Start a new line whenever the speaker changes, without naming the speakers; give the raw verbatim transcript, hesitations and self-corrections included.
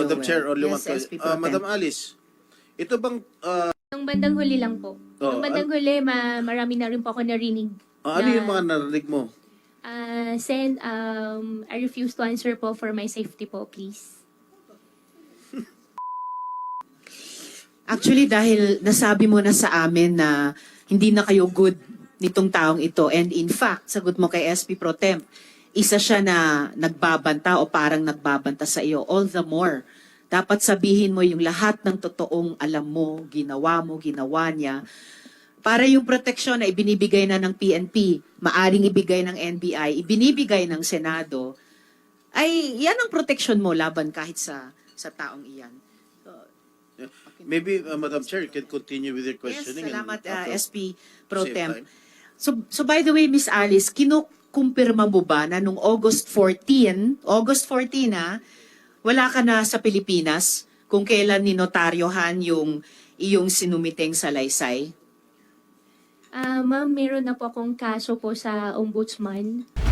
Madam
Joel.
Chair, only one
Yes,
question.
S P
Ah,
Pro Tem.
Madam Alice, ito bang, ah,
Nung bandang huli lang po.
Oh,
Nung bandang huli, ma marami na rin po ako narinig.
ah, ano
na,
yung mga narinig mo?
ah, Sen, um, I refuse to answer po for my safety po, please.
Actually, dahil nasabi mo na sa amin na hindi na kayo good nitong taong ito. And in fact, sagot mo kay S P Pro Temp, isa siya na nagbabanta o parang nagbabanta sa iyo. All the more, dapat sabihin mo yung lahat ng totoong alam mo, ginawa mo, ginawa niya. Para yung proteksyon na ibinibigay na ng P N P, maaring ibigay ng N B I, ibinibigay ng Senado, ay yan ang proteksyon mo laban kahit sa sa taong iyan.
Maybe, uh, Madam Chair, you can continue with your
Yes,
questioning.
salamat
and
uh,
after-
S P Pro
save
Temp.
time.
So, so by the way, Miss Alice, kinukumpirma mo ba na nung August fourteenth, August fourteenth ha, wala ka na sa Pilipinas kung kailan ninotaryohan yung iyong sinumiteng salaysay?
Ah, ma'am, meron na po akong kaso po sa ombudsman.